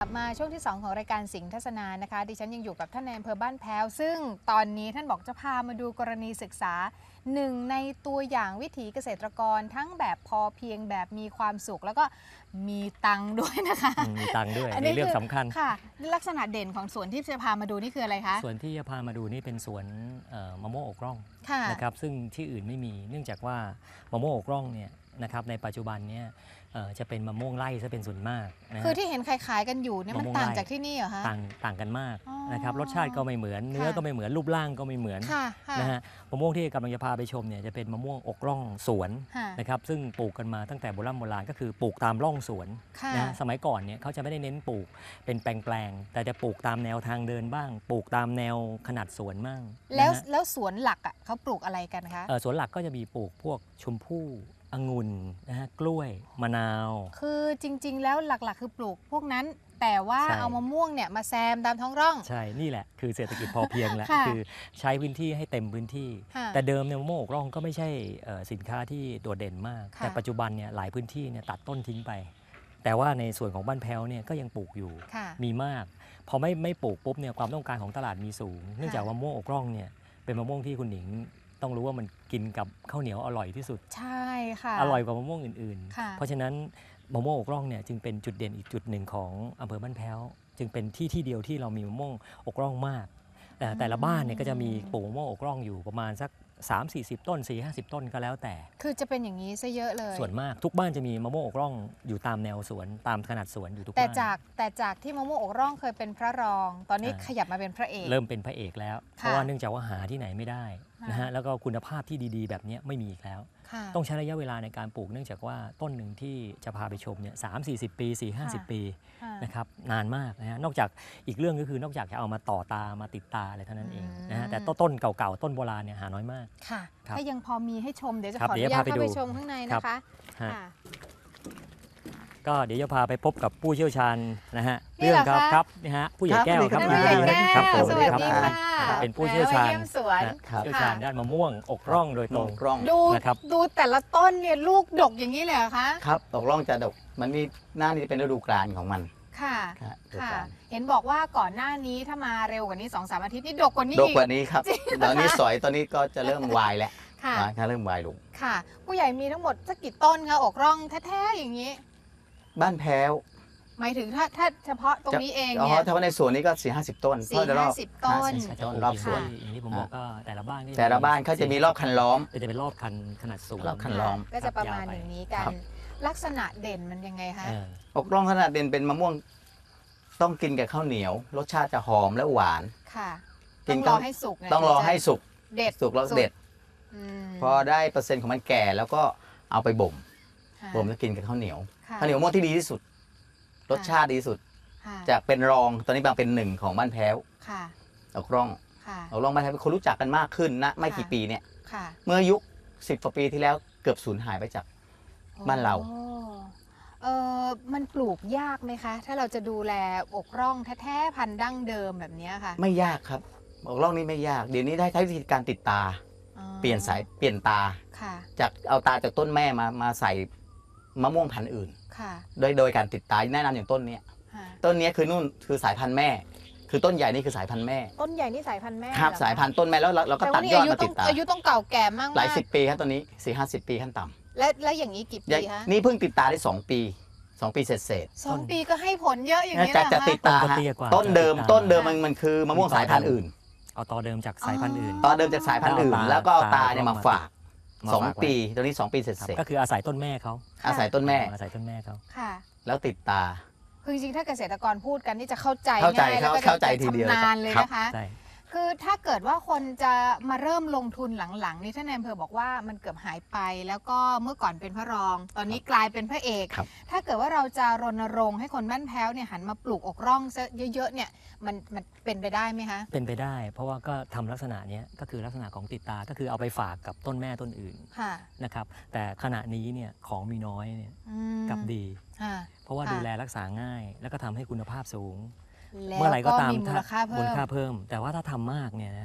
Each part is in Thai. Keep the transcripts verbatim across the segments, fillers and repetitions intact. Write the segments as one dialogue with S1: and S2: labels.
S1: มาช่วงที่สองของรายการสิงห์ทัศนานะคะดิฉันยังอยู่กับท่านในอำเภอบ้านแพ้วซึ่งตอนนี้ท่านบอกจะพามาดูกรณีศึกษาหนึ่งในตัวอย่างวิถีเกษตรกรทั้งแบบพอเพียงแบบมีความสุขแล้วก็มีตังค์ด้วยนะคะ
S2: มีตังค์ด้วยในเรื่องสำคัญ
S1: ค่ะลักษณะเด่นของสวนที่จะพามาดูนี่คืออะไรคะ
S2: สวนที่จะพามาดูนี่เป็นสวนมะม่วงอกร่องนะครับซึ่งที่อื่นไม่มีเนื่องจากว่ามะม่วงอกร่องเนี่ยนะครับในปัจจุบันเนี่ยจะเป็นมะม่วงไร่ซะเป็นส่วนมากนะ
S1: คือที่เห็นขายๆกันอยู่เนี่ยมันต่างจากที่นี่เหรอคะ
S2: ต่างต่างกันมากนะครับรสชาติก็ไม่เหมือนเนื้อก็ไม่เหมือนรูปร่างก็ไม่เหมือนนะฮะมะม่วงที่กำลังจะพาไปชมเนี่ยจะเป็นมะม่วงอกร่องสวนนะครับซึ่งปลูกกันมาตั้งแต่โบราณโบราณก็คือปลูกตามร่องสวนนะสมัยก่อนเนี่ยเขาจะไม่ได้เน้นปลูกเป็นแปลงๆแต่จะปลูกตามแนวทางเดินบ้างปลูกตามแนวขนาดสวนบ้าง
S1: แล้วแล้วสวนหลักอ่ะเขาปลูกอะไรกันคะ
S2: สวนหลักก็จะมีปลูกพวกชมพู่องุ่นนะฮะกล้วยมะนาว
S1: คือจริงๆแล้วหลักๆคือปลูกพวกนั้นแต่ว่าเอามะม่วงเนี่ยมาแซมตามท้องร่อง
S2: ใช่นี่แหละคือเศรษฐกิจพอเพียงแล้วคือใช้พื้นที่ให้เต็มพื้นที่แต่เดิมเนี่ยมะม่วงอกร่องก็ไม่ใช่สินค้าที่โดดเด่นมากแต่ปัจจุบันเนี่ยหลายพื้นที่เนี่ยตัดต้นทิ้งไปแต่ว่าในส่วนของบ้านแพ้วเนี่ยก็ยังปลูกอยู่มีมากพอไม่ไม่ปลูกปุ๊บเนี่ยความต้องการของตลาดมีสูงเนื่องจากมะม่วงอกร่องเนี่ยเป็นมะม่วงที่คุณหนิงต้องรู้ว่ามันกินกับข้าวเหนียวอร่อยที่สุด
S1: ใช่ค่ะ
S2: อร่อยกว่ามะม่วงอื่นๆเพราะฉะนั้นมะม่วงอกร่องเนี่ยจึงเป็นจุดเด่นอีกจุดหนึ่งของอำเภอบ้านแพ้วจึงเป็นที่ที่เดียวที่เรามีมะม่วงอกร่องมากแต่แต่ละบ้านเนี่ยก็จะมีปลูกมะม่วงอกร่องอยู่ประมาณสักสามสี่สิบต้นสี่ห้าสิบต้นก็แล้วแต่
S1: คือจะเป็นอย่างนี้ซะเยอะเลย
S2: ส่วนมากทุกบ้านจะมีมะม่วงอกร่องอยู่ตามแนวสวนตามขนาดสวนอยู่ทุกบ้าน
S1: แต่จากแต่จากที่มะม่วงอกร่องเคยเป็นพระรองตอนนี้ขยับมาเป็นพระเอก
S2: เริ่มเป็นพระเอกแล้วเพราะว่าเนื่องจากว่าหาที่ไหนไม่ได้นะฮะแล้วก็คุณภาพที่ดีๆแบบนี้ไม่มีอีกแล้วต้องใช้ระยะเวลาในการปลูกเนื่องจากว่าต้นหนึ่งที่จะพาไปชมเนี่ยสามสี่สิบปีสี่ห้าสิบปีนะครับนานมากนะฮะนอกจากอีกเรื่องก็คือนอกจากจะเอามาต่อตามาติดตาอะไรเท่านั้นเองนะฮะแต่ต้นเก่าๆต้นโบราณเนี่ยหาน้อยมาก
S1: ค่ะถ้ายังพอมีให้ชมเดี๋ยวจะขออนุญาตเข้าไปชมข้างในนะคะ
S2: ก็เดี๋ยวจะพาไปพบกับผู้เชี่ยวชาญนะฮะเรื่องครับครับนี่ฮะผู้ใหญ่แก้วครับ
S1: ผู้ใหญ่แก้ว
S2: ครับ
S1: สวัสดีค่ะ
S2: เป็นผู้เชี่ยวชาญ
S1: สวน
S2: เชี่ยวชาญด้านมะม่วงอกร่องโดยตรง
S1: ดูดูแต่ละต้นเนี่ยลูกดกอย่างนี้เลยเหรอคะ
S3: ครับอกร่องจะดกมันนี่หน้านี้เป็นฤดูกาลของมัน
S1: ค่ะค่ะเห็นบอกว่าก่อนหน้านี้ถ้ามาเร็วกว่านี้ สองสาม อาทิตย์นี่ดกกว่านี้
S3: ดกกว่านี้ครับตอนนี้สอยตอนนี้ก็จะเริ่มวายแล้วค่ะเริ่มวายลง
S1: ค่ะผู้ใหญ่มีทั้งหมดสักกี่ต้นคะอกร่องแท้ๆอย่างนี้
S3: บ้านแพ้ว
S1: หมายถึงถ้าถ้าเฉพาะตรงนี้เอง
S3: เนี่ยเฉพาะในสวนนี้ก็สี่ห้าสิบต้น
S1: สี่ห้าสิบต้น
S2: รอบสวนอย่างที่ผมบอกก็แต่ละบ้าน
S3: แต่ละบ้านเขาจะมีรอบคันล้อม
S2: จะเป็นรอบคันขนาดสูง
S3: รอบคันล้อม
S1: ก็จะประมาณอย่างนี้กันลักษณะเด่นมันยังไงคะ
S3: อกร่องขนาดเด่นเป็นมะม่วงต้องกินกับข้าวเหนียวรสชาติจะหอมและหวาน
S1: ค่ะต้องรอให้สุก
S3: ต้องรอให้สุก
S1: เด็ด
S3: สุกแล้วเด็ดพอได้เปอร์เซ็นต์ของมันแก่แล้วก็เอาไปบ่มบ่มแล้วกินกับข้าวเหนียวข้าวเหนียวมะม่วงที่ดีที่สุดรสชาติดีที่สุดจะเป็นรองตอนนี้บางเป็นหนึ่งของบ้านแพ้วอกร่องอกร่องบ้านแพ้วคนรู้จักกันมากขึ้นนะไม่กี่ปีเนี่ยเมื่อยุคสิบกว่าปีที่แล้วเกือบสูญหายไปจากบ้านเรา
S1: เออมันปลูกยากไหมคะถ้าเราจะดูแลอกร่องแท้ๆพันธุ์ดั้งเดิมแบบนี้ค่ะ
S3: ไม่ยากครับอกร่องนี่ไม่ยากเดี๋ยวนี้ได้ใช้วิธีการติดตาเปลี่ยนสายเปลี่ยนตาจากเอาตาจากต้นแม่มามาใส่มะม่วงพันธุ์อื่นโดยโดยการติดตาแนะนำอย่างต้นนี้ต้นนี้คือนู่นคือสายพันธุ์แม่คือต้นใหญ่นี่คือสายพันธุ์แม่
S1: ต้นใหญ่นี่สายพันธุ์แม่
S3: ครับสายพันธุ์ต้นแม่แล้วเราก็ตัดยอดมาติดตา
S1: อายุต้องเก่าแก่มาก
S3: หลายสิบปีครับตอนนี้สี่ห้าสิบปีขั้นต่
S1: ำและและอย่างนี้กี่ปีคะ
S3: นี่เพิ่งติดตาได้สองปีสองปีเศษเศษ
S1: สองปีก็ให้ผลเยอะอย่างนี้
S3: จะจะติดตาต้นเดิมต้นเดิมมันมันคือมะม่วงสายพันธุ์อื่น
S2: เอาตอเดิมจากสายพันธุ์อื่น
S3: ตอเดิมจากสายพันธุ์อื่นแล้วก็เอาตาเนี่ยมาฝากสองปีตอนนี้สองปีเสร็จเสร็จ
S2: ก็คืออาศัยต้นแม่เขา
S3: อาศัยต้นแม่
S2: อาศัยต้นแม่เขา
S1: ค่ะ
S3: แล้วติดตา
S1: คือจริงๆถ้าเกษตรกรพูดกันนี่จะเข้าใจ
S3: ง่าย
S1: แล้วก็
S3: เข้าใจทีเดียว
S1: ชำนาญเลยนะคะคือถ้าเกิดว่าคนจะมาเริ่มลงทุนหลังๆนี่ท่านนายอำเภอบอกว่ามันเกือบหายไปแล้วก็เมื่อก่อนเป็นพระรองตอนนี้กลายเป็นพระเอกถ้าเกิดว่าเราจะรณรงค์ให้คนบ้านแพ้วเนี่ยหันมาปลูกอกร่องซะเยอะๆเนี่ยมันมันเป็นไปได้ไหมคะ
S2: เป็นไปได้เพราะว่าก็ทำลักษณะนี้ก็คือลักษณะของติดตาก็คือเอาไปฝากกับต้นแม่ต้นอื่นนะครับแต่ขณะนี้เนี่ยของมีน้อยเนี่ยกับดีเพราะว่าดูแลรักษาง่ายแล้วก็ทำให้คุณภาพสูงเมื่อไหร่ก็ตาม
S1: มูลค่าเพิ่ม
S2: มูลค่าเพิ่มแต่ว่าถ้าทำมากเนี่ยนะฮะ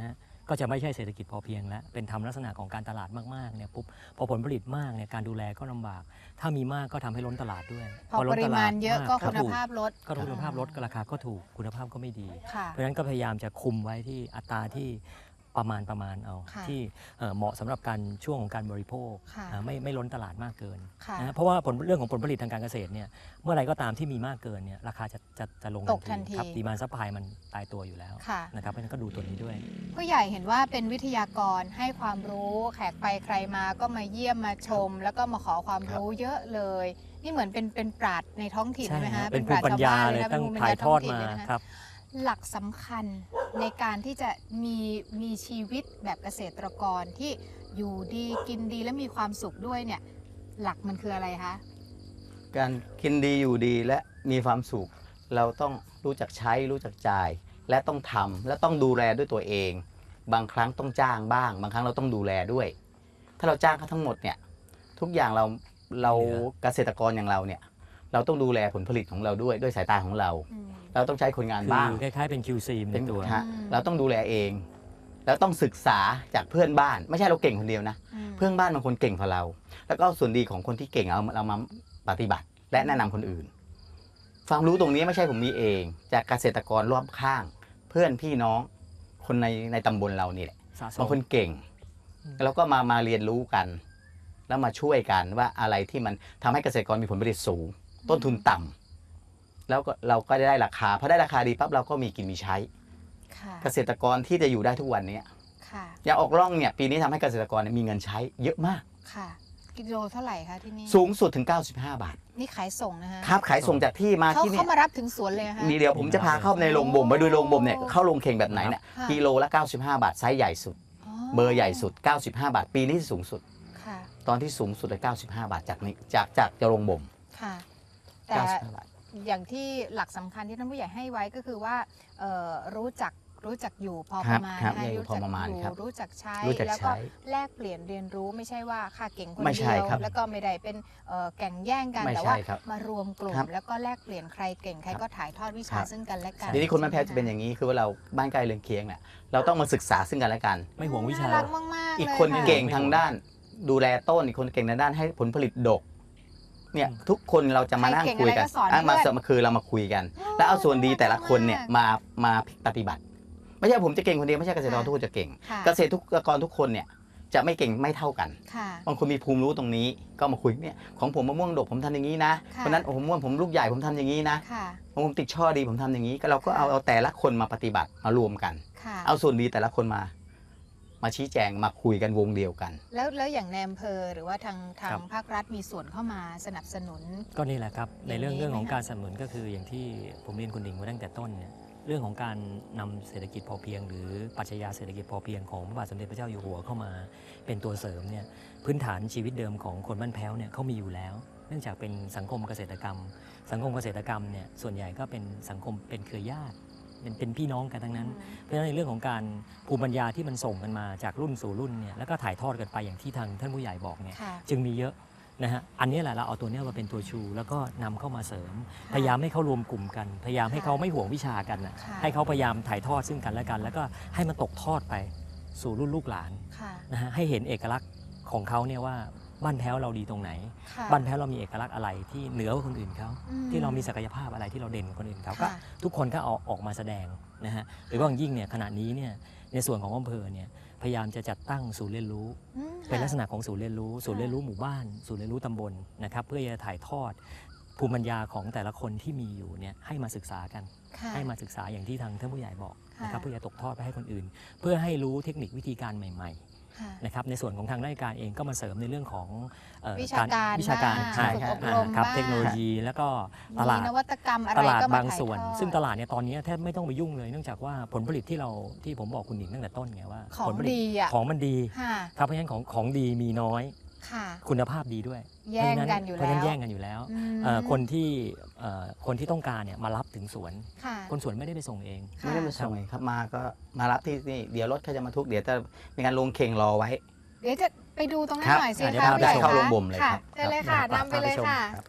S2: ก็จะไม่ใช่เศรษฐกิจพอเพียงแล้วเป็นทำลักษณะของการตลาดมากๆเนี่ยปุ๊บพอผลผลิตมากเนี่ยการดูแลก็ลำบากถ้ามีมากก็ทำให้ล้นตลาดด้วย
S1: พอ
S2: ล้
S1: ป
S2: น
S1: ริ
S2: ตล
S1: มาณเยอะก็
S2: ม
S1: คุณภาพลด
S2: ก็คุณภาพลดก็ราคาก็ถูกคุณภาพก็ไม่ดี
S1: ค่ะ
S2: เพราะฉะนั้นก็พยายามจะคุมไว้ที่อัตราที่ประมาณประมาณเอา
S1: ค่ะ
S2: ที่เอ่อเหมาะสำหรับการช่วงของการบริโภค
S1: ค่ะ
S2: อ่าไม่ไม่ล้นตลาดมากเกิน
S1: ค่ะ
S2: นะเพราะว่าผลเรื่องของผลผลิตทางการเกษตรเนี่ยเมื่อไหรก็ตามที่มีมากเกินเนี่ยราคาจะจะจะลง
S1: ตกทันที
S2: ครับดีมานซัพพลายมันตายตัวอยู่แล้ว
S1: ค่ะ
S2: นะครับเพราะฉะนั้นก็ดูตัวนี้ด้วย
S1: ผู้ใหญ่เห็นว่าเป็นวิทยากรให้ความรู้แขกไปใครมาก็มาเยี่ยมมาชม แล้วก็มาขอความรู้เยอะเลย นี่เหมือนเป็นเป็นปราชญ์ในท้องถิ่น
S2: ใช่
S1: ไหม
S2: ครั
S1: ฮะ
S2: บเป็นภูมิปัญญาเลย
S1: นะ
S2: ตั้ง
S1: ป็นภูมิปัญ
S2: ถ่าย
S1: ญ
S2: ทอด
S1: งถิ่น
S2: มา
S1: เลยนะะ
S2: ครับ
S1: หลักสำคัญในการที่จะมีมีชีวิตแบบเกษตรกรที่อยู่ดีกินดีและมีความสุขด้วยเนี่ยหลักมันคืออะไรคะ
S3: การกินดีอยู่ดีและมีความสุข เราต้องรู้จักใช้รู้จักจ่าย และต้องทำและต้องดูแลด้วยตัวเอง บางครั้งต้องจ้างบ้าง บางครั้งเราต้องดูแลด้วย ถ้าเราจ้างเขาทั้งหมดเนี่ยทุกอย่างเราเรา
S2: เหลือ
S3: เกษตรกรอย่างเราเนี่ยเราต้องดูแลผลผลิตของเราด้วยด้วยสายตาของเรา
S1: อืม
S3: เราต้องใช้คนงานบ้าง
S2: คือคล้ายๆเป็น คิว ซี ในตัว
S3: ฮะ
S1: อืม
S3: เราต้องดูแลเอง แล้วต้องศึกษาจากเพื่อนบ้าน ไม่ใช่เราเก่งคนเดียวนะ
S1: อืม
S3: เพื่อนบ้านบางคนเก่งกว่าเรา แล้วก็เอาส่วนดีของคนที่เก่งเอาเรามาปฏิบัติ และแนะนำคนอื่น ความรู้ตรงนี้ไม่ใช่ผมมีเอง จากเกษตรกรรอบข้าง เพื่อนพี่น้องคนในในตำบลเรานี่แหละ
S2: สะส
S3: บาง
S2: ม
S3: คนเก่ง
S2: อืม
S3: แล้วก็มามาเรียนรู้กัน แล้วมาช่วยกันว่าอะไรที่มันทำให้เกษตรกรมีผลผลิตสูง ต้นทุนต่ำแล้วก็เราก็ได้ราคาพอได้ราคาดีปั๊บเราก็มีกินมีใช้
S1: ค่ะ
S3: เกษตรกรที่จะอยู่ได้ทุกวันนี้
S1: ค่ะ
S3: อย่างออกร่องเนี่ยปีนี้ทำให้เกษตรกรเนี่ยมีเงินใช้เยอะมาก
S1: ค่ะกิโลเท่าไหร่คะที่นี่
S3: สูงสุดถึง เก้าสิบห้า บาท
S1: นี่ขายส่งนะฮะ
S3: ครับขายส่งจากที่มา
S1: เขา
S3: ที่เนี่
S1: เขา
S3: ย
S1: มารับถึงสวนเลยฮะ
S3: มีเดียวผมจะพาเข้าในโรงบ่มไปดูโรงบ่มเนี่ย
S1: โอ้
S3: เข้าโรงเข่งแบบไหนเนี่ย
S1: ค่ะ
S3: กิโลละ เก้าสิบห้า บาทไซส์ใหญ่สุด เบอร์ใหญ่สุด เก้าสิบห้า บาท ปีนี้สูงสุด
S1: ค่ะ
S3: ตอนที่สูงสุดเลย เก้าสิบห้า บาทจากนี้จากจากจะโรงบ่ม
S1: ค่ะ แต่
S3: เก้าสิบห้า บาท
S1: อย่างที่หลักสำคัญที่ท่านผู้ใหญ่ให้ไว้ก็คือว่าเอ่อรู้จักรู้จักอยู่พอ
S3: ค
S1: ป
S3: รับ
S1: ระมาณ
S3: ครับ
S1: นะ
S3: อยู่พอประมาณ
S1: รู้
S3: ครั
S1: จั
S3: บ
S1: กรู้จักใช้
S3: รู้จัก
S1: แล้วก็
S3: ใช้
S1: แลกเปลี่ยนเรียนรู้ไม่ใช่ว่าข้าเก่งคน
S3: ไม่ใช่
S1: เดียว
S3: ครับ
S1: แล้วก็ไม่ได้เป็นเอ่อแข่งแย่งกัน
S3: ไม่
S1: แต่
S3: ใช่
S1: ว่า
S3: ครับ
S1: มารวมกลุ่ม
S3: ครับ
S1: แล้วก็แลกเปลี่ยนใครเก่งใครก็ถ่ายทอดวิชา
S3: ครับ
S1: ซึ่งกันและกัน
S3: ทีนี้คนบ้านแพ้วจะเป็นอย่างนี้คือว่าเราบ้านใกล้เรือนเคียงเนี่ยเราต้องมาศึกษาซึ่งกันและกัน
S2: ไม่ห่วงวิชา
S1: น่รักมากๆ
S3: อีก
S1: เลย
S3: คน
S1: ค่ะ
S3: เก่งทางด้านดูแลต้นอีกคนเก่งทางด้านให้ผลผลิตดกเนี่ย
S2: อืม
S3: ทุกคนเราจะมานั่งคุยกัน
S1: ใครเก่งอะไรก็สอน
S3: อ่ะมา
S1: เพื่อน
S3: มาคือเรามาคุยกัน แล้วเอาส่วนดีแต่ละคนเนี่ยมามาปฏิบัติ ไม่ใช่ผมจะเก่งคนเดียวไม่ใช่เกษตรกรทุกคนจะเก่ง
S1: ค่ะ
S3: เกษตรกรทุกคนเนี่ยจะไม่เก่งไม่เท่ากัน
S1: ค่ะ
S3: บางคนมีภูมิรู้ตรงนี้ก็มาคุยเนี่ยของผมมะม่วงดกผมทำอย่างนี้นะ
S1: ค่ะ
S3: คนนั้นโอ้โหมะม่วงผมลูกใหญ่ผมทำอย่างนี้นะ
S1: ค่ะ
S3: ของผมติดช่อดีผมทำอย่างนี้ก็เราก็เอาเอาแต่ละคนมาปฏิบัติมารวมกัน
S1: ค่ะ
S3: เอาส่วนดีแต่ละคนมา มาชี้แจงมาคุยกันวงเดียวกัน
S1: แล้วแล้วอย่างในอำเภอหรือว่าทางทา
S2: ครั
S1: ง
S2: บ
S1: ภาครัฐมีส่วนเข้ามาสนับสนุน
S2: ก็นี่แหละครับในเรื่อง
S1: อย่างนี้
S2: เรื่องของ
S1: ไหมคะ
S2: การสนับสนุนก็คืออย่างที่ผมเรียนคุณดิ่งมาตั้งแต่ต้นเนี่ยเรื่องของการนำเศรษฐกิจพอเพียง หรือปรัชญาเศรษฐกิจพอเพียงของพระบาทสมเด็จพระเจ้าอยู่หัวเข้ามาเป็นตัวเสริมเนี่ยพื้นฐานชีวิตเดิมของคนบ้านแพ้วเนี่ยเขามีอยู่แล้ว เนื่องจากเป็นสังคมเกษตรกรรม สังคมเกษตรกรรมเนี่ยส่วนใหญ่ก็เป็นสังคมเป็นเครือญาติเป็นเป็นพี่น้องกันทั้งนั้น เพราะฉะนั้นในเรื่องของการภูมิปัญญาที่มันส่งกันมาจากรุ่นสู่รุ่นเนี่ยแล้วก็ถ่ายทอดกันไปอย่างที่ทางท่านผู้ใหญ่บอกเนี่ย
S1: ค่ะ
S2: จึงมีเยอะนะฮะ อันนี้แหละเราเอาตัวเนี้ยมาเป็นตัวชู แล้วก็นำเข้ามาเสริม
S1: ค่ะ
S2: พยายามให้เขารวมกลุ่มกัน พยายามให้
S1: ค่ะ
S2: เขาไม่ห่วงวิชากันนะ
S1: ค่ะ
S2: ให้เขาพยายามถ่ายทอดซึ่งกันและกัน แล้วก็ให้มันตกทอดไปสู่รุ่นลูกหลาน
S1: ค่ะ
S2: นะฮะ ให้เห็นเอกลักษณ์ของเขาเนี่ยว่าบ้านแพ้วเราดีตรงไหน
S1: ค่ะ
S2: บ้านแพ้วเรามีเอกลักษณ์อะไรที่เหนือกว่าคนอื่นเขา
S1: อืม
S2: ที่เรามีศักยภาพอะไรที่เราเด่นกว่าคนอื่นเขาก็
S1: ค่ะ
S2: ทุกคนก็เอาออกมาแสดงนะฮะ หรือว่าอย่างยิ่งเนี่ยขณะนี้เนี่ยในส่วนของอำเภอเนี่ยพยายามจะจัดตั้งศูนย์เรียนรู้
S1: อืม
S2: เป็นลักษ
S1: ค่ะ
S2: ณะของศูนย์เรียนรู้ ศูนย์เรียนรู้หมู่บ้าน ศูนย์เรียนรู้ตำบลนะครับเพื่อจะถ่ายทอดภูมิปัญญาของแต่ละคนที่มีอยู่เนี่ยให้มาศึกษากัน
S1: ค่ะ
S2: ให้มาศึกษาอย่างที่ทางท่านผู้ใหญ่บอก
S1: ค่ะ
S2: นะครับเพื่อจะตกทอดไปให้คนอื่น เพื่อให้รู้เทคนิควิธีการใหม่
S1: ค่ะ
S2: ๆนะครับในส่วนของทางราชการเองก็มาเสริมในเรื่องของเอ่อ
S1: วิชาการ
S2: วิชาการ
S1: บ้าง
S2: ใช่
S1: ฝึก
S2: ครับ
S1: อบรม
S2: ครับ
S1: บ้าง
S2: เทคโนโลยีแล้วก็ต
S1: มี
S2: ลาด
S1: นวัตกรรมอะไร
S2: ตลาด
S1: ก็มา
S2: บาง
S1: ถ่าย
S2: ส่วน
S1: ทอด
S2: ซึ่งตลาดเนี่ยตอนนี้แทบไม่ต้องไปยุ่งเลยเนื่องจากว่าผลผลิตที่เราที่ผมบอกคุณหนิงตั้งแต่ต้นไงว่า
S1: ของ
S2: ผลผลิต
S1: ดีอ่ะ
S2: ของมันดี
S1: ค่ะ
S2: ครับเพราะฉะนั้นของของดีมีน้อย
S1: ค่ะ
S2: คุณภาพดีด้วย
S1: แย่งกันอยู่
S2: เพราะฉะ
S1: แล้
S2: นั้น
S1: ว
S2: แย่งกันอยู่แล้ว
S1: อืม
S2: เอ่อคนที่เอ่อคนที่ต้องการเนี่ยมารับถึงสวน
S1: ค่ะ
S2: คนสวนไม่ได้ไปส่งเอง
S1: ค่ะ
S3: ไม่ได้มาส่งเองครับมาก็มารับที่นี่เดี๋ยวรถเขาจะมาทุกเดี๋ยวจะมีการลงเข่งรอไว้
S1: เดี๋ยวจะไปดูตรงนั้
S3: คน รับ
S1: หน่อยสิ
S2: เดี๋ยว
S1: คะ
S2: พาไป
S1: ผู้ใหญ่
S2: ชม
S3: เข้า
S1: คะ
S3: โรงบ่มเลย
S1: ค่ะ
S3: ครับ
S1: เชิญเลยค่ะ
S2: ครับ
S1: นำไปเลยค่ะ
S3: ครับ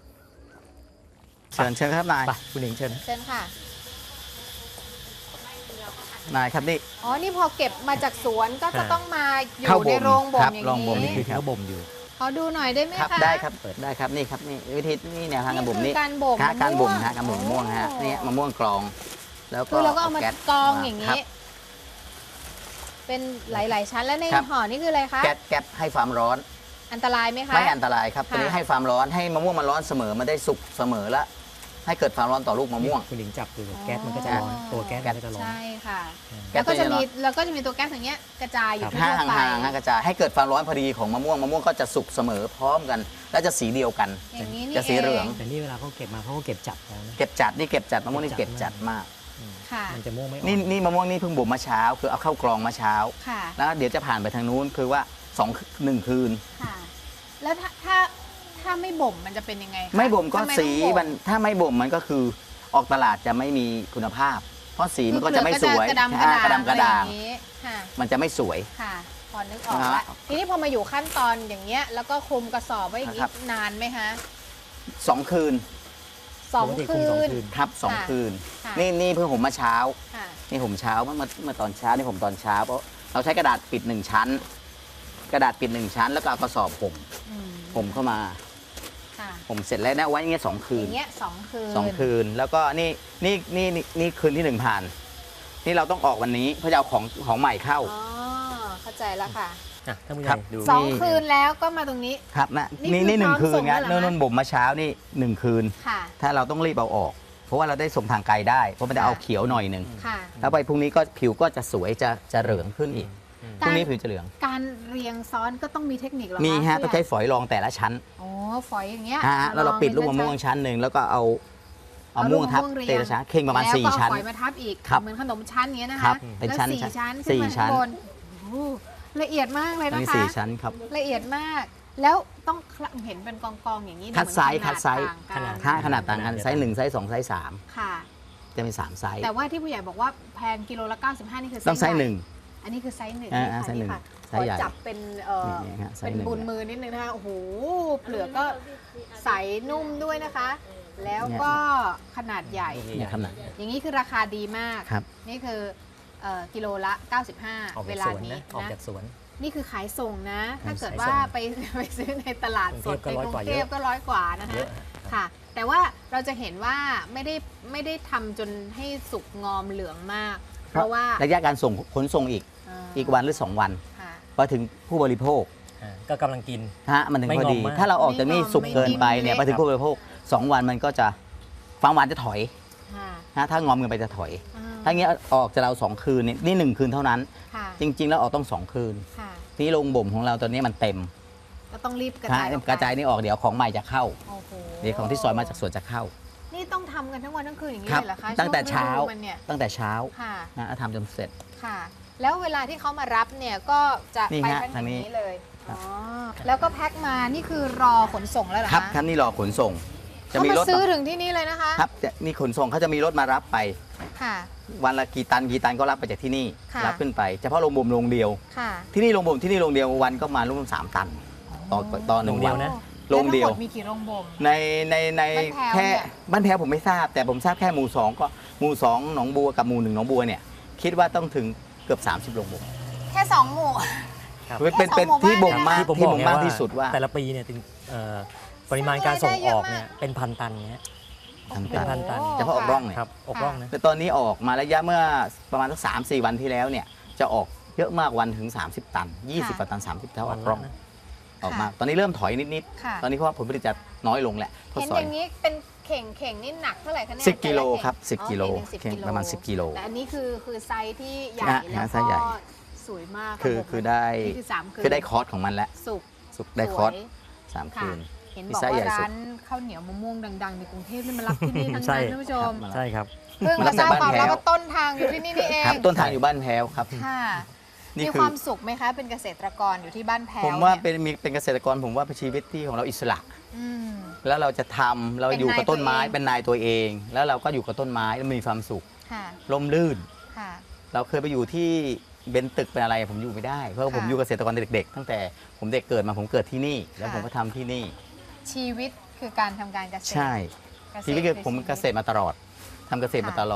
S3: เชิญเชิญครับนาย
S2: ไปคุณหนิงเชิญ
S1: เชิญค่ะ
S3: นายครับนี่
S1: อ๋อ นี่พอเก็บมาจากสวนก็จะ
S2: อ่า
S1: ต้องมาอยู่
S3: เข้าบ่ม
S1: ในโรงบ่
S3: ครั
S1: ม
S3: บ
S1: อย่าง
S3: โรงบ่ม
S1: นี้
S2: นี่คือที่เขาบ่มอยู่
S1: ขอดูหน่อยได้ไหม
S3: ครับ
S1: คะ
S3: ได้ครับเปิดได้ครับนี่ครับนี่วิธีนี่แนวทางการบ่ม
S1: นี่
S3: นี่
S1: คือการบ่ม
S3: ฮะ
S1: มะม่วง
S3: การบ่มฮะการบ่มมะม่วงฮะ
S1: โอ้
S3: นี่มะม่วงกรอง แล้วก็
S1: คือเราก็เอามา
S3: แก๊ส
S1: กองอย่าง
S3: ครั
S1: นี้
S3: บ
S1: เป็นหลาย ๆ ชั้นแล้วใน
S3: ครับ
S1: ห่อนี่คืออะไรคะ
S3: แก๊สแก๊สให้ความร้อน
S1: อันตรายไหมคะ
S3: ไม่อันตรายครับ
S1: ค่ะ
S3: ตัวนี้ให้ความร้อนให้มะม่วงมันร้อนเสมอมันได้สุกเสมอแล้วให้เกิดความร้อนต่อลูกมะม่วง
S2: คุณหลิงจับดูแก๊สมันก็จะร้อน
S1: อ๋อ
S2: ตัวแก๊สมันก็จะร้อน
S1: ใช่ค่ะ
S3: แก๊
S1: แล้ว
S3: ส
S1: ก็จะ
S3: ตัวนี้
S1: มีแล้วก็จะมีตัวแก๊สอย่างเงี้ยกระจายอยู่
S3: ห้า
S1: ทั่วไป
S3: ห่างๆฮะกระจายให้เกิดความร้อนพอดีของมะม่วงมะม่วงก็จะสุกเสมอพร้อมกัน และจะสีเดียวกัน
S1: อย่างนี้นี่
S3: จะสีเหลือง
S2: แต่นี่เวลาเขาเก็บมาเขาก็เก็บจับแล้วนะ
S3: เก็บจัดนี่เก็บจัดมะม่วงนี่เก็บจัดมาก
S2: อืม
S1: ค่ะ
S2: มันจะม่วงไม่ออก
S3: นี่นี่มะม่วงนี่เพิ่งบ่มเมื่อเช้าคือเอาเข้ากรองเมื่อเช้า
S1: ค่ะ
S3: แล้วเดี๋ยวจะผ่านไปทางนู้นคือว่าสองหนึ่งคืน
S1: ค่ะ แล้วถ้าถ้าถ้าไม่บ่มมันจะเป็นยังไงคะ
S3: ไม่บ่มก็
S1: ทำไต้อง
S3: สี
S1: บ่
S3: มันถ้าไม่บ่มมันก็คือออกตลาดจะไม่มีคุณภาพ เพราะสีมันก็
S1: คือ
S3: จะไม่สวย
S1: เปลือกกระดำกระ
S3: อ่า
S1: ด่าง
S3: กระดำกระด่าง
S1: อไอย่นี้ค่ะ
S3: มันจะไม่สวย
S1: ค่ะพอนึกออก
S3: นะ
S1: ละ
S3: ฮะ
S1: ทีนี้พอมาอยู่ขั้นตอนอย่างเงี้ยแล้วก็คลุมกระสอบไว้อย่างนี้
S3: ครับ
S1: นานไหมคะ
S3: สองคืน
S1: สอง
S2: ปกติ
S1: คื
S2: สอง
S1: น
S2: คืน
S3: ครับสอง
S1: ค่ะ
S3: คืน
S1: ค่ะ
S3: นี่นี่เพิ่งผมมาเช้า
S1: ค่ะ
S3: นี่ผมเช้าเมื่อเมื่อเมื่อตอนเช้านี่ผมตอนเช้าเพราะเราใช้กระดาษปิดหนึ่งชั้น กระดาษปิดหนึ่งชั้น แล้วก็เอากระสอบผม
S1: อืม
S3: ผมเข้ามา
S1: ค่ะ
S3: ผมเสร็จแล้วนะไว้อย่างเงี้ยสองคื
S1: อน ย่างเงี้ยสองคืน
S3: สองคืนแล้วก็นี่นี่นี่นี่นี่คืนที่หนึ่งผ่าน นี่เราต้องออกวันนี้เพื่อจะเอาของของใหม่เข้า
S1: อ๋อเข้าใจแล้วค่ะ
S2: อ่ะท่านผู้ให
S3: ครั
S2: ญ่
S3: บ
S2: ดู
S1: สองคืนแล้วก็มาตรงนี้
S3: ครับนะ
S1: นี่
S3: นี่
S1: คือ
S3: นี่หนึ่ง
S1: พร้อม
S3: คืน
S1: ส่ง
S3: นะ
S1: แล้วเหรอ
S3: นู่น
S1: คะ
S3: นู่นบ่มมาเช้านี่หนึ่งคืน
S1: ค่ะ
S3: ถ้าเราต้องรีบเอาออก เพราะว่าเราได้ส่งทางไกลได้เพราะมันจะ
S1: ค่ะ
S3: เอาเขียวหน่อยหนึ่ง
S1: ค่ะ
S3: แล้วไปพรุ่งนี้ก็ผิวก็จะสวยจะจะเหลืองขึ้นอีก
S2: อืม
S3: พรุ่งนี้ผิวจะเหลือง
S1: การเรียงซ้อนก็ต้องมีเทคนิคเหรอค
S3: มีฮะ
S1: ผู้
S3: ต้อง
S1: ใหญ่
S3: ใช้ฝอยรองแต่ละชั้น
S1: โอ้ฝอยอย่างเงี้ย
S3: ฮะแล้วเราปิดลูกมะม่วงชั้นหนึ่งแล้วก็เอาเอาม่วงทับเตะชั้นเข่งประมาณสี่ชั้น
S1: แล้วก็เอาฝอยมาทับอีก
S3: ครับ
S1: เหมือนขนมชั้นอย่างเงี้ยนะ
S3: ครั
S1: คะ
S3: บเป็น
S1: แล้ว
S3: ชั้น
S1: สี่ชั้น
S3: สี่
S1: ขึ้นมา
S3: ชั้น
S1: ข้างบนโอ้โหละเอียดมากเลย
S3: อัน
S1: นะ
S3: นี้
S1: คะ
S3: สี่ชั้นครับ
S1: ละเอียดมาก แล้วต้องเห็นเป็นกองๆอย่างนี้นะ
S3: คัดไซส์
S1: เหมือน
S3: คัดไซส์
S1: ขนาด
S3: ถ้า
S1: ต่าง
S3: ขนาดต่างกันไซส์หนึ่งไซส์สองไซส์สาม
S1: กันค่ะ
S3: จะมีสามไซส์
S1: แต่ว่าที่ผู้ใหญ่บอกว่าแพงกิโลละเก้าสิบห้านี่คือ
S3: ต้องไซส์หนึ่ง
S1: อันนี้คือไซส์หนึ่ง
S3: อ่า
S1: นี่ค่ะ
S3: ไซส์หนึ่ง
S1: นี่ค่ะ
S3: ไซส์ใหญ่
S1: ขอจับเป็นเอ่อ
S3: นี่ฮะไซส์
S1: เป็น
S3: หนึ่ง
S1: บุญมือนิดนึงนะคะโอ้โหเปลือกก็ใสนุ่มด้วยนะคะ แล้วก็ขนาดใหญ่
S3: เนี่ยขนาด
S1: อย่างนี้คือราคาดีมาก
S3: ครับ
S1: นี่คือเอ่อกิโลละเก้าสิบห้า
S2: ออก
S1: เว
S2: จาก
S1: ลา
S2: สวน
S1: นี้
S2: นะออก
S1: นะ
S2: จากสวน
S1: นี่คือขายส่งนะ ถ้าเกิด
S2: ขายส่ง
S1: ว่าไป ไปซื้อในตลาดสด
S2: กรุงเทพก็
S1: ใน
S2: ร้อย
S1: กรุ
S2: กว่าง
S1: เทพ
S2: เยอะ
S1: ก็ร้อยกว่านะ
S2: เย
S1: คะ
S2: อะ
S1: ค่ะ แต่ว่าเราจะเห็นว่าไม่ได้ไม่ได้ทำจนให้สุกงอมเหลืองมาก เพราะว่า
S3: ระยะการส่งขนส่งอีก
S1: เ
S3: อีกวันหรือสองวัน
S1: ค่ะ
S3: พอถึงผู้บริโภค
S2: อ่าก็กำลังกิน
S3: ฮะมันถึง
S2: ไม่
S3: พอดี
S2: งอมมาก
S3: ถ้าเราออกจากนี่
S1: ไม่งอม
S3: สุกเกินไป
S1: ไม่
S3: เนี่ย
S1: เละ
S3: ไปถึงผู้บริโภคสองวันมันก็จะความหวานจะถอย
S1: ค่ะ
S3: นะถ้างอมเกินไปจะถอย
S1: อ่
S3: ถ้าเงี้ยออกจากเราสองคืนนี่นี่หนึ่งคืนเท่านั้น
S1: ค่ะ
S3: จริง ๆ แล้วออกต้องสองคืน
S1: ค่ะ
S3: ที่โรงบ่มของเราตอนนี้มันเต็ม
S1: ก็ต้องรีบกระ
S3: ฮะ
S1: จายออกไป
S3: กระจายนี่ออกเดี๋ยวของใหม่จะเข้า
S1: โอ้โห
S3: เดี๋ยวของที่ซอยมาจากสวนจะเข้า
S1: นี่ต้องทำกันทั้งวันทั้งคืนอย่างนี้
S3: ครับ
S1: เลยเหรอคะ
S3: ตั้งแต่เช้า
S1: ช่วงฤดูมันเนี่ย
S3: ตั้งแต่เช้า
S1: ค่ะ
S3: นะแล้วทำจนเสร็จ
S1: ค่ะ แล้วเวลาที่เขามารับเนี่ยก็จะ
S3: นี่
S1: ไป
S3: ฮะ
S1: กันอ
S3: ทาง
S1: ย่าง
S3: นี้
S1: นี้เลย
S3: ครับ
S1: อ๋อแล้วก็แพ็คมานี่คือรอขนส่งแล้วเหรอ
S3: ครับ
S1: คะ
S3: ท่านนี่รอขนส่ง จะ
S1: เขา
S3: มี
S1: มาร
S3: ถ
S1: ซื้อถึงที่นี่เลยนะคะ
S3: ครับจะนี่ขนส่งเขาจะมีรถมารับไป
S1: ค่ะ
S3: วันละกี่ตันกี่ตันก็รับไปจากที่นี่
S1: ค่ะ
S3: รับขึ้นไปเฉพาะโรงบ่มโรงเดียว
S1: ค่ะ
S3: ที่นี่โรงบ่มที่นี่โรงเดียววันก็มาร่วมสามตัน ต่อต่อหนึ่ง
S2: โรงเดี
S3: วั
S2: ยวน นะ
S3: โรงเดียว
S1: แล้ทั้หมมีกี่โรงบ่ม
S3: ในในใน
S1: บ้านแพ้ว
S3: แค่
S1: เนี่ย
S3: บ้านแพ้วผมไม่ทราบ แต่ผมทราบแค่หมู่สองก็หมู่สองหนองบัวกับหมู่หนึ่งหนองบัวเนี่ยคิดว่าต้องถึงเกือบ สามสิบโรงบ่ม
S1: แค่สองหมู่
S2: ครับ
S3: เป็นเป็น
S1: แค่สองหมู่
S3: ที่บ่ม
S1: บ้าน
S3: มาก
S2: ที่ผม
S3: ที่
S2: บอก
S3: บ่ม
S2: ไง
S3: มาก
S2: ว่า
S3: ที่สุดว่า
S2: แต่ละปีเนี่ยถึงเอ่อปริมาณการส่งออก
S1: ได้เยอะมาก
S2: เนี่ยเป็นพันตันเนี้ย
S3: ทำ
S2: เป็น
S3: ตั
S2: พั
S3: น
S2: นตัน
S1: โอ้
S3: เฉพาะออกร่องเนี่ย
S2: ครับออกร่องนะ
S3: แต่ตอนนี้ออกมาระยะเมื่อประมาณสักสามสี่วันที่แล้วเนี่ยจะออกเยอะมากวันถึง สามสิบ ตัน ยี่สิบ
S1: ค่ะ
S3: กว่าตัน สามสิบเท่าออก
S2: วันละ
S3: ร่อง
S2: นะ
S3: ออกมา ตอนนี้เริ่มถอยนิด
S1: ค่ะ
S3: ๆ ตอนนี้เพราะว่าผลผลิตจะน้อยลงแหละเพราะ
S1: เห็น
S3: ซอ
S1: อย ย่างนี้เป็นเข่งเข่งนี่หนักเท่าไหร่คะเนี่ย
S3: สิบกิโล
S1: แต่ละเข่ง
S3: ครับสิบ
S1: อ๋อ
S3: กิโล
S1: เข่งหนึ่งสิบกิโล
S3: ประมาณสิบกิโล
S1: แต่อันนี้คือคือไซส์ที่ใหญ่
S3: อ่ะ
S1: แล้ว
S3: ไซส์ใหญ่
S1: ก็สวยมาก
S3: คือ
S1: ระบบ
S3: คือได้
S1: นี่คือสามคืน
S3: คือได้คอร์สของมันแล้ว
S1: สุก
S3: สุกได้คอร์ส
S1: สวย
S3: สาม
S1: ค่ะ
S3: คืน
S1: เห็น
S3: มี
S1: บอก
S3: ไส้ใหญ่
S1: ว่า
S3: สุด
S1: ร้านข้าวเหนียวมะม่วงดังๆในกรุงเทพนี่มารับที่นี่ทั้ง
S2: ใช่
S1: นั้นท่านผู้ชม
S3: ครับ
S2: ใช่ครับ
S1: เพิ่ง
S3: มารั
S1: มา
S3: บ
S1: ทราบ
S3: จาก
S1: ความ
S3: บ้านแพ้
S1: แล้ว
S3: ว
S1: ว่าต้นทางอยู่ที่นี่นี่เอง
S3: ครับต้นทางอยู่บ้านแพ้วครับ
S1: ค่ะ
S3: นี่
S1: มี
S3: คื
S1: ค
S3: อ
S1: วามสุขไหมคะ เป็นเกษตรกรอยู่ที่บ้านแพ้ว
S3: ผมว่า
S1: เนี่ย
S3: เป็นมีเป็นเกษตรกรผมว่าเป็นชีวิตที่ของเราอิสระ
S1: อืม
S3: แล้วเราจะทำเรา
S1: เป็น
S3: อยู่กับต้นไม้
S1: นายตัวเอง
S3: เป็นนายตัวเอง แล้วเราก็อยู่กับต้นไม้แล้วมีความสุข
S1: ค่ะ
S3: ร่มรื่น
S1: ค่ะ
S3: เราเคยไปอยู่ที่เบนตึกเป็นอะไรผมอยู่ไม่ได้ เพราะว่า
S1: ค่ะ
S3: ผมอยู่เกษตรกรเด็กๆ ตั้งแต่ผมเด็กเกิดมาผมเกิดที่นี่ แล้ว
S1: ค่ะ
S3: ผมก็ทำที่นี่
S1: ชีวิตคือการทำการเกษตร
S3: ชีวิตคือผมเกษตร
S1: ชีวิ
S3: มาตลอดทำเกษตรมา
S1: ค่ะ
S3: ตลอด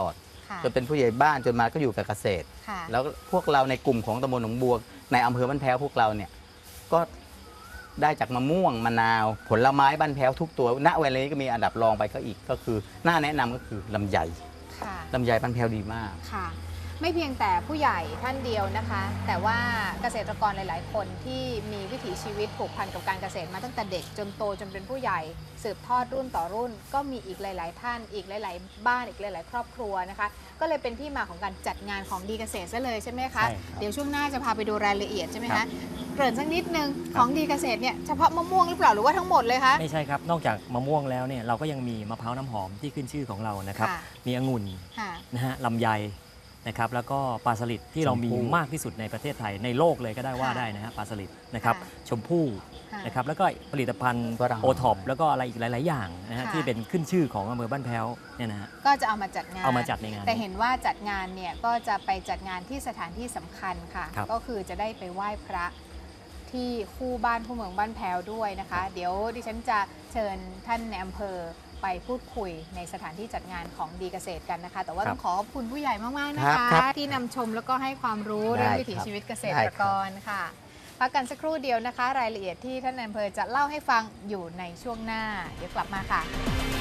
S1: ค่ะ
S3: จนเป็นผู้ใหญ่บ้านจนมาก็อยู่กับเกษตร
S1: ค่ะ
S3: แล้วพวกเราในกลุ่มของตำบลหนองบัวในอำเภอบ้านแพ้วพวกเราเนี่ยก็ได้จากมะม่วงมะนาว ผลไม้บ้านแพ้วทุกตัวณเวลานี้ก็มีอันดับรองไปก็อีกก็คือน่าแนะนำก็คือลำไย
S1: ค่ะ
S3: ลำไยบ้านแพ้วดีมาก
S1: ค่ะ ไม่เพียงแต่ผู้ใหญ่ท่านเดียวนะคะ แต่ว่าเกษตรกรหลาย ๆ คนที่มีวิถีชีวิตผูกพันกับการเกษตรมาตั้งแต่เด็กจนโตจนเป็นผู้ใหญ่สืบทอดรุ่นต่อรุ่น ก็มีอีกหลาย ๆ ท่านอีกหลาย ๆ บ้านอีกหลาย ๆ ครอบครัวนะคะ ก็เลยเป็นที่มาของการจัดงานของดีเกษตรซะเลยใช่ไหมคะ
S2: ใช่ครับ
S1: เดี๋ยวช่วงหน้าจะพาไปดูรายละเอียดใช่ไหม
S3: ครั
S1: คะ
S3: บ
S1: เกริ่นสักนิดนึงของดีเกษตรเนี่ยเฉพาะมะม่วงหรือเปล่าหรือว่าทั้งหมดเลยคะ
S2: ไม่ใช่ครับ นอกจากมะม่วงแล้วเนี่ยเราก็ยังมีมะพร้าวน้ำหอมที่ขึ้นชื่อของเรานะครับ
S1: ค่ะ
S2: มีองุ่น
S1: ค่ะ
S2: นะฮะลำไยนะครับแล้วก็ปลาสลิดที่เรามี
S3: ชมพู่
S2: มากที่สุดในประเทศไทยในโลกเลยก็ได้ว่า
S1: ค่ะ
S2: ได้นะฮะปลาสลิดนะครับ
S1: ค่ะ
S2: ชมพู่
S1: ค่ะ
S2: นะครับแล้วก็ผลิตภัณฑ์
S3: ฝรั่ง
S2: โอท็อปแล้วก็อะไรอีกหลาย ๆ อย่างนะฮะ
S1: ค่ะ
S2: ที่เป็นขึ้นชื่อของอำเภอบ้านแพ้วเนี่ยนะฮะ
S1: ก็จะเอามาจัดงาน
S2: เอามาจัดในงาน
S1: แต่เห็นว่าจัดงานเนี่ยก็จะไปจัดงานที่สถานที่สำคัญค่ะ
S2: ครับ
S1: ก็คือจะได้ไปไหว้พระที่คู่บ้านคู่เมืองบ้านแพ้วด้วยนะคะ เดี๋ยวดิฉันจะเชิญท่านในอำเภอไปพูดคุยในสถานที่จัดงานของดีเกษตรกันนะคะ แต่ว่าต้องขอขอบคุณผู้ใหญ่มาก ๆ นะ
S3: ครั
S1: คะ
S3: บครับ
S1: ที่นำชมแล้วก็ให้ความรู้
S3: ได้
S1: เรื่องวิถี
S3: ครับ
S1: ชีวิตเกษ
S3: ได้
S1: ตร
S3: ค
S1: ก
S3: รับ
S1: รค่ะพักกันสักครู่เดียวนะคะ รายละเอียดที่ท่านในอำเภอจะเล่าให้ฟังอยู่ในช่วงหน้า เดี๋ยวกลับมาค่ะ